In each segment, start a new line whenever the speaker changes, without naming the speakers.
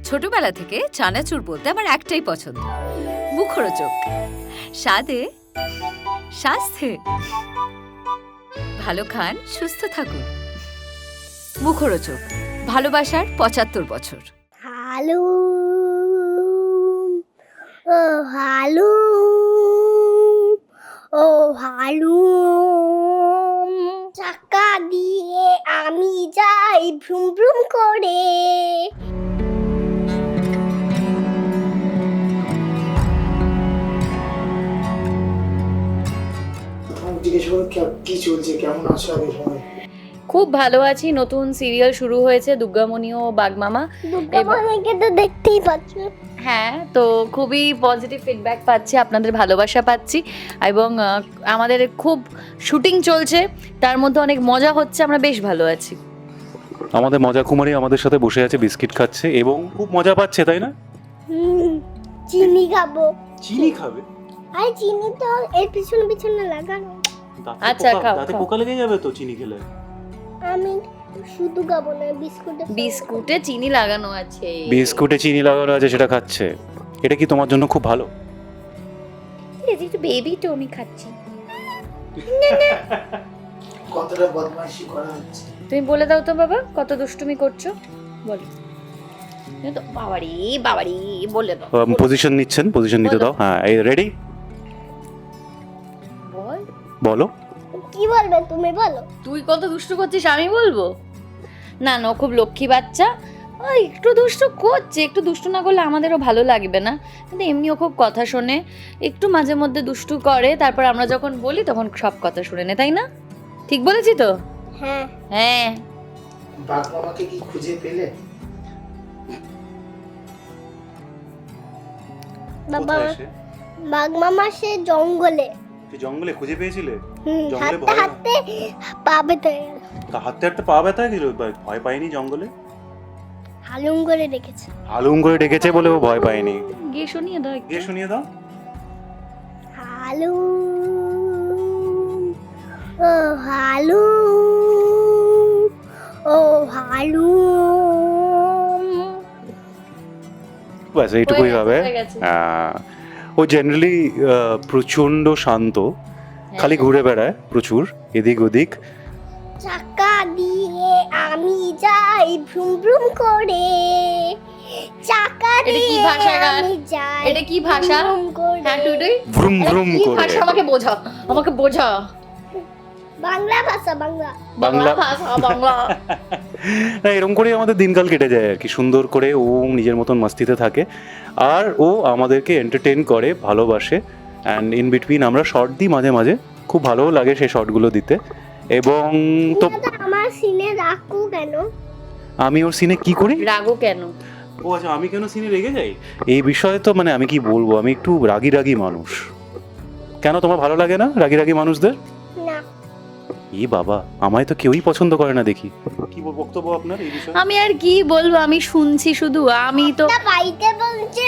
ছোটবেলা থেকে চানাচুর বলতে আমার একটাই পছন্দ, মুখরোচক, স্বাদে স্বাস্থ্যে। ভালো খান, সুস্থ থাকুন। মুখরোচক, ভালোবাসার ৭৫ বছর।
হালু ও হালু ও হালু, চাকা দিয়ে আমি যাই ভ্রুম ভ্রুম করে।
জিজ্ঞেস করো কি চলছে, কেমন আছো আগে সবাই?
খুব ভালো আছি। নতুন সিরিয়াল শুরু হয়েছে দুর্গামণি ও বাগমামা।
দুর্গামণিকে তো দেখতেই পাচ্ছ।
হ্যাঁ, তো খুবই পজিটিভ ফিডব্যাক পাচ্ছি, আপনাদের ভালোবাসা পাচ্ছি এবং আমাদের খুব শুটিং চলছে, তার মধ্যে অনেক মজা হচ্ছে, আমরা বেশ ভালো আছি।
আমাদের মজা কুমারী আমাদের সাথে বসে আছে, বিস্কিট খাচ্ছে এবং খুব মজা পাচ্ছে, তাই না?
চিনি খাবো।
চিনি খাবে?
আরে চিনি তো এর পিছনে পিছনে লাগানো।
আচ্ছা, খাও,
দাঁতে
খাও।
পোকা লেগে যাবে তো চিনি খেলে।
আমি শুধু খাবো না,
বিস্কুটে চিনি লাগানো আছে।
বিস্কুটে চিনি লাগানো আছে, সেটা খাচ্ছে। এটা কি তোমার জন্য খুব ভালো?
একটু বেবি তো আমি খাচ্ছি।
কতটা বদমাইশি করা হচ্ছে।
তুমি বলে দাও তো বাবা, কত দুষ্টুমি করছো বলো। বাবারি বাবারি বলে দাও।
পজিশন নিচ্ছেন, পজিশন নিতে দাও। হ্যাঁ, এই রেডি?
বল।
বলো।
কি বলবে তুমি বলো।
তুই কত দুষ্টু করছিস আমি বলবো? না না, ও খুব লক্ষ্মী বাচ্চা। ওই একটু দুষ্টু করছে, একটু দুষ্টু না করলে আমাদেরও ভালো লাগবে না, কিন্তু এমনিও খুব কথা শোনে, একটু মাঝে মধ্যে দুষ্টু করে, তারপর আমরা যখন বলি তখন সব কথা শুনে নে, তাই না? ঠিক বলেছি তো?
হ্যাঁ
হ্যাঁ।
বাঘ মামাকে কি খুঁজে পেলে?
বাবা, বাঘ মামা সে জঙ্গলে।
জঙ্গলে খুঁজে পেয়েছিলে?
হাঁটতে হাঁটতে পা ব্যথা হয়ে গেল।
হাঁটতে হাঁটতে পা ব্যথা গেল, ভয় পাইনি জঙ্গলে?
হালুম করে রেখেছে।
হালুম করে ডেকেছে বলে ও ভয় পায়নি।
গিয়ে শুনিয়ে দাও,
গিয়ে শুনিয়ে দাও।
হালু ও হালু ও হালু।
ব্যাস এইটুকুই হবে।
হয়ে গেছে।
ও জেনারেলি প্রচন্ড শান্ত, খালি ঘুরে বেড়ায় প্রচুর এদিক ওদিক।
চাকা দিয়ে আমি যাই ভ্রুম ভ্রুম করে। চাকা
এটা কি
দিয়ে
ভাষা গান?
আমি যাই।
এটা কি ভাষা?
ভ্রুম করে।
হ্যাঁ টুটুই,
ভ্রুম ভ্রুম
কি
করে।
ভাষা? আমাকে বোঝা, আমাকে বোঝা।
বাংলা ভাষা, বাংলা
বাংলা
ভাষা, বাংলা।
না, এরকম করেই আমাদের দিনকাল কেটে যায় আর কি, সুন্দর করে ও নিজের মতন মাস্তিতে থাকে আর ও আমাদেরকে এন্টারটেইন করে, ভালোবাসে। অ্যান্ড ইন বিটুইন আমরা শর্ট দিই মাঝে মাঝে, খুব ভালোও লাগে সেই শর্টগুলো দিতে। এবং তো
আমার সিনে রাখু কেন?
আমি ওর সিনে কি করি?
রাগো কেন?
ও আচ্ছা, আমি কেন সিনে রেগে যাই এই বিষয়ে তো মানে আমি কি বলবো, আমি একটু রাগী রাগী মানুষ। কেন তোমার ভালো লাগে না রাগী রাগী মানুষদের?
না,
ই বাবা, আমায় তো কেউই পছন্দ করে না দেখি। কি বক্তব্য আপনার এই বিষয়ে?
আমি আর কি বলবো, আমি শুনছি শুধু। আমি তো
না বাড়িতে বলছে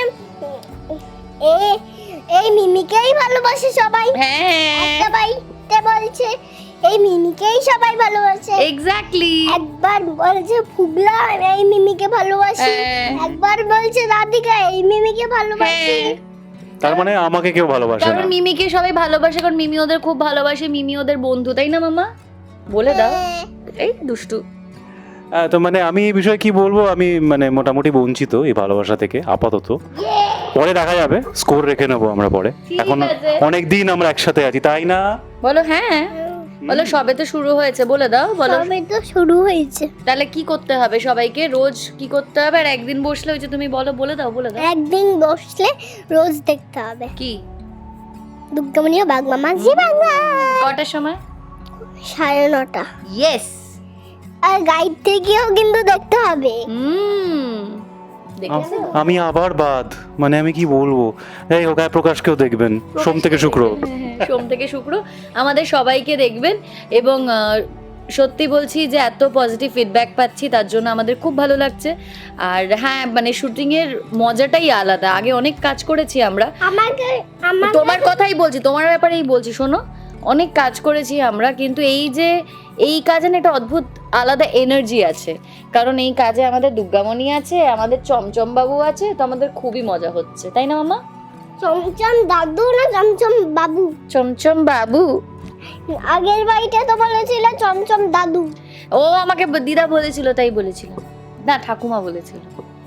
এই মিমিকেই ভালোবাসে সবাই।
হ্যাঁ,
একটা বাড়িতে বলছে এই মিমিকেই সবাই ভালোবাসে।
এক্স্যাক্টলি।
একবার বলছে ফুগলা এই মিমিকে ভালোবাসে,
হ্যাঁ।
একবার বলছে রাধিকা এই মিমিকে ভালোবাসে।
হ্যাঁ,
তার মানে আমাকে কেউ ভালোবাসে
কারণ
না।
মিমিকে সবাই ভালোবাসে, কারণ মিমি ওদের খুব ভালোবাসে, মিমি ওদের বন্ধু, তাই না মামা? বলে দাও।
হ্যাঁ।
এই দুষ্টু।
তো মানে আমি এই বিষয়ে কি বলবো, আমি মানে মোটামুটি বঞ্চিত এই ভালোবাসা থেকে আপাতত। পরে দেখা যাবে, স্কোর রেখে নেবো আমরা পরে।
ঠিক
এখন
আছে।
অনেক দিন আমরা একসাথে আছি, তাই না?
বলো হ্যাঁ, বলো সবে তো শুরু হয়েছে, বলে দাও, বলো।
সবে তো শুরু হয়েছে।
তাহলে কি করতে হবে সবাইকে? রোজ কি করতে হবে? আর একদিন বসলে হয়েছে, তুমি বলো, বলে দাও, বলে দাও।
একদিন বসলে রোজ দেখতে হবে
কি?
দুর্গামণি ও বাঘ মামা জি বাংলা।
কটার সময়?
9:30।
ইয়েস।
আর গাইড থেকেও কিন্তু দেখতে হবে।
দেখেছো?
আমি আবার বাদ, মানে আমি কি বলবো, এই হোক প্রকাশকেও দেখবেন সোম থেকে শুক্র।
হ্যাঁ, সোম থেকে শুক্র আমাদের সবাইকে দেখবেন। এবং সত্যি বলছি যে এত পজিটিভ ফিডব্যাক পাচ্ছি, তার জন্য আমাদের খুব ভালো লাগছে। আর হ্যাঁ, মানে শুটিংয়ের মজাটাই আলাদা। আগে অনেক কাজ করেছি আমরা,
আমাকে
তোমার কথাই বলছি, তোমার ব্যাপারেই বলছি, শোনো, অনেক কাজ করেছি আমরা, কিন্তু এই যে এই কাজে না একটা অদ্ভুত আলাদা এনার্জি আছে, কারণ এই কাজে আমাদের দুর্গামণি আছে, আমাদের চমচম বাবু আছে, তো আমাদের খুবই মজা হচ্ছে, তাই না মামা?
চমচম দাদু না চমচম বাবু?
চমচম বাবু।
আগের বাড়িতে তো বলেছিল চমচম দাদু।
ও আমাকে দিদা বলেছিল, তাই বলেছিল না, ঠাকুমা বলেছিল।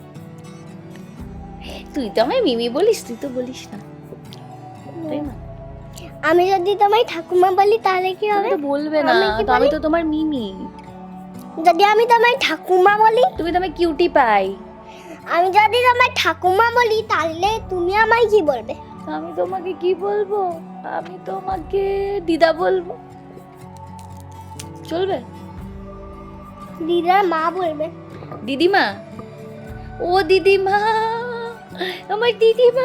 তুই তো আমায় মিমি বলিস, তুই তো বলিস না, তাই না?
আমি যদি তোমায় ঠাকুমা বলি তাহলে কি
তুমি
হবে?
তো বলবে না,
আমি কি
তো আমি
বলি?
তো তোমার মিমি।
যদি আমি তোমায় ঠাকুমা বলি,
তুমি তো আমায় কিউটি পাই।
আমি যদি তোমায় ঠাকুমা বলি তাহলে তুমি আমায় কি বলবে?
আমি তোমাকে কি বলবো? আমি তোমাকে দিদা বলবো, চলবে?
দিদার মা বলবে।
দিদিমা, ও দিদিমা, আমার দিদিমা।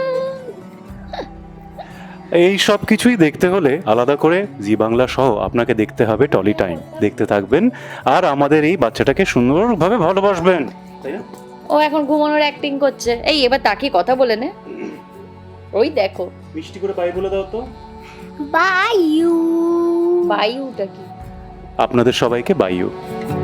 এই সব কিছুই দেখতে হলে আলাদা করে জি বাংলা সহ আপনাকে দেখতে হবে টলি টাইম, দেখতে থাকবেন আর আমাদের এই বাচ্চাটাকে সুন্দরভাবে ভালোবাসবেন, তাই না?
ও এখন ঘুমানোর অ্যাক্টিং করছে। এই এবার তাকে কথা বলে নে। ওই দেখো,
মিষ্টি করে বাই বলে দাও তো।
By you.
বায়ুটা কি?
আপনাদের সবাইকে বাইউ।